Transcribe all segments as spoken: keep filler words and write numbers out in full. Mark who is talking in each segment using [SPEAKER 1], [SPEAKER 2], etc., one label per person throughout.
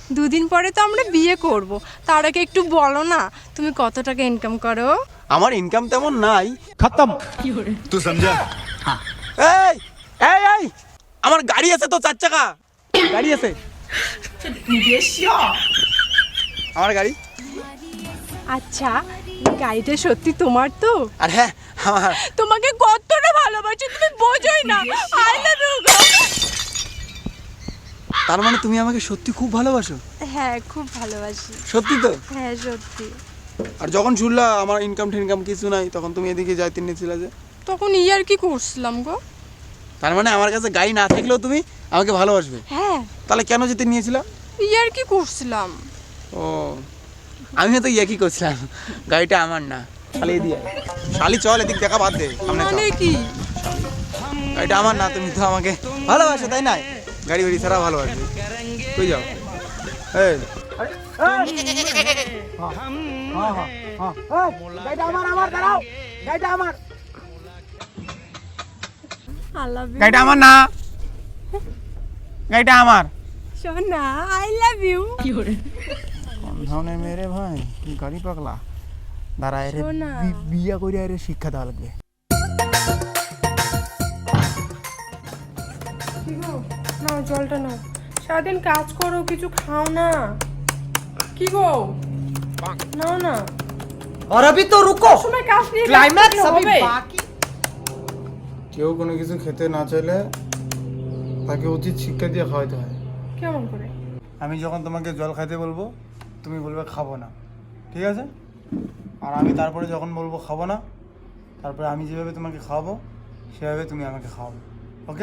[SPEAKER 1] দুদিন পরে তো আমরা বিয়ে করব, তার আগে একটু বলো না তুমি কত টাকা ইনকাম করো?
[SPEAKER 2] আমার ইনকাম তেমন নাই, খতম।
[SPEAKER 3] তুই সমঝা?
[SPEAKER 2] এই এই এই আমার গাড়ি আছে তো, চার চাকা গাড়ি আছে আমার গাড়ি।
[SPEAKER 1] আচ্ছা, গাড়িটা সত্যি তোমার তো?
[SPEAKER 2] আর হ্যাঁ আমার।
[SPEAKER 1] তোমাকে কতটা ভালোবাসি তুমি বোঝোই না। আই লাভ ইউ গো।
[SPEAKER 2] তার মানে তুমি আমাকে সত্যি খুব ভালোবাসো?
[SPEAKER 1] হ্যাঁ, খুব ভালোবাসি।
[SPEAKER 2] সত্যি তো?
[SPEAKER 1] হ্যাঁ, সত্যি।
[SPEAKER 2] আর যখন শুনলা আমার ইনকাম টিনকাম কিছু নাই, তখন তুমি এদিকে যাইতে নিয়েছিলে যে?
[SPEAKER 1] তখন ইয়ার কি করছিলাম গো।
[SPEAKER 2] তার মানে আমার কাছে গাড়ি না থাকলেও তুমি আমাকে ভালোবাসবে?
[SPEAKER 1] হ্যাঁ।
[SPEAKER 2] তাহলে কেন যেতে নিয়েছিলা?
[SPEAKER 1] ইয়ার কি করছিলাম।
[SPEAKER 2] ও, আমিও তো ইয়া কি করছিলাম, গাড়িটা আমার না। শালি দিয়ে শালি চল এদিক দেখা বাদ দে, সামনে চল।
[SPEAKER 1] মানে কি?
[SPEAKER 2] গাড়িটা আমার না, তুমি তো আমাকে ভালোবাসো তাই না? গাড়ি বাড়ি ছাড়া ভালোবাসবে। কই যাও? এই গাড়িটা আমার, আমার দাঁড়াও, গাড়িটা আমার।
[SPEAKER 1] I love you.
[SPEAKER 2] গাড়িটা আমার না, গাড়িটা আমার।
[SPEAKER 1] সোনা, আই লাভ ইউ।
[SPEAKER 2] কোন ধরনের মেরে ভাই, গাড়ি পাগলা। দাঁড়া, এর
[SPEAKER 1] শোনা।
[SPEAKER 2] বিয়া করে এর শিক্ষা দেওয়া লাগবে।
[SPEAKER 1] কি গো, নাও জলটা নাও। সারাদিন কাজ করো, কিছু খাও না। কি গো, নাও না।
[SPEAKER 4] और अभी तो रुको,
[SPEAKER 1] সময় কাজ নিয়ে
[SPEAKER 4] क्लाइमैक्स अभी बाकी।
[SPEAKER 2] কেউ কোনো কিছু খেতে না চাইলে তাকে উচিত শিক্ষা দিয়ে খাওয়াতে হয়।
[SPEAKER 1] কেমন করে?
[SPEAKER 2] আমি যখন তোমাকে জল খাইতে বলবো, তুমি বলবে খাবো না, ঠিক আছে? আর আমি তারপরে যখন বলবো খাবো না, তারপরে আমি যেভাবে তোমাকে খাওয়াবো সেভাবে তুমি আমাকে খাওয়াবে, ওকে?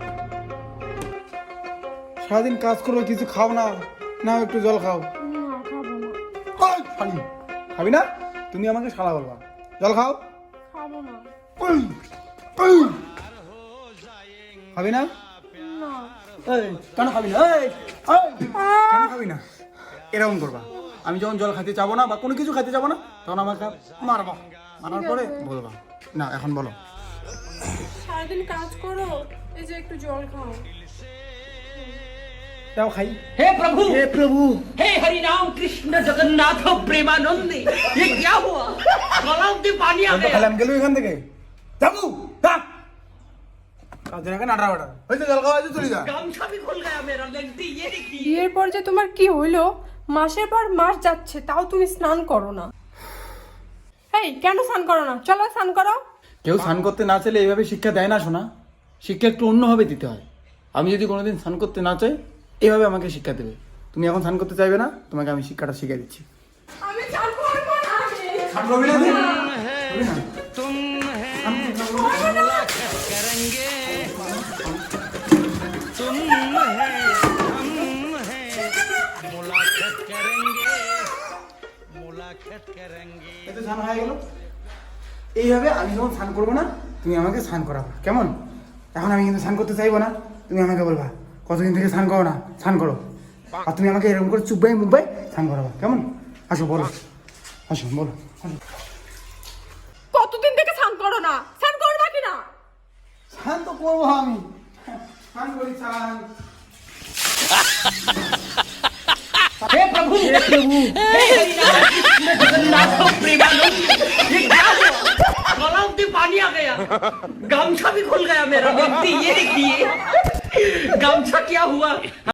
[SPEAKER 2] সারাদিন কাজ করো, কিছু খাও না, নাও একটু জল খাও।
[SPEAKER 1] না, খাবো না।
[SPEAKER 2] ওই, শালি, খাবি না? তুমি আমাকে শালা বলবা। জল খাও।
[SPEAKER 1] খাবো না।
[SPEAKER 2] ওই, ওই। খাবি না?
[SPEAKER 1] না।
[SPEAKER 2] এই, কেন খাবি না? এই, এই, কেন খাবি না? এরকম করবা। আমি যখন জল খাইতে চাবো না বা কোনো কিছু খাইতে চাবো না, তখন আমাকে মারবা। মারার পরে বলবা। না, এখন বলো।
[SPEAKER 1] সারাদিন কাজ করো, এই যে একটু জল খাও।
[SPEAKER 2] যাও খাই।
[SPEAKER 4] हे प्रभु,
[SPEAKER 2] হে প্রভু।
[SPEAKER 4] हे हरि राम कृष्ण जगन्नाथ प्रेमानंद, ये क्या हुआ? गलाव से पानी आ गया।
[SPEAKER 2] খালাম গেল এখান থেকে। যাবো, থাক। কাজে রাখে নাটা বাটা। হইছে জল খাওয়া হয়েছে, চলে যা।
[SPEAKER 4] गामछा भी खुल गया मेरा, लगती ये देखिए।
[SPEAKER 1] বিয়ের পর যে তোমার কি হইলো, মাসের পর মাস যাচ্ছে তাও তুমি স্নান করো না। এই, কেন স্নান করো না? চলো স্নান করো।
[SPEAKER 2] কেউ স্নান করতে না চাইলে এইভাবে শিক্ষা দেয় না, শোনা। শিক্ষা একটু অন্যভাবে দিতে হয়। আমি যদি কোনোদিন স্নান করতে না চাই, এইভাবে আমাকে শিক্ষা দেবে। তুমি এখন স্নান করতে চাইবে না, তোমাকে আমি শিক্ষাটা শিখিয়ে দিচ্ছি।
[SPEAKER 1] আমি স্নান করবো না।
[SPEAKER 2] স্নান করবি না তুই? করবি না? এই তো স্নান হয়ে গেল। এইভাবে আমি যখন স্নান করবো না, তুমি আমাকে স্নান করাবা, কেমন? এখন আমি কিন্তু স্নান করতে চাইবো না, তুমি আমাকে বলবা কতদিন থেকে স্নান করো না, স্নান করো। আর তুমি আমাকে এরকম করে চুপবাই মুখবাই স্নান করাবা, কেমন? আসো বলো, আসো বলো।
[SPEAKER 1] কতদিন থেকে স্নান করো না? স্নান করো না কি না?
[SPEAKER 2] স্নান তো করবো আমি, স্নান করি, স্নান।
[SPEAKER 4] हे प्रभु, हे प्रभु, हे हरि राम कृष्ण जगन्नाथ प्रेमानंद, ये क्या हुआ? गलाव से पानी आ गया, गामछा भी खुल गया मेरा, लगती ये देखिए। गामछा क्या हुआ?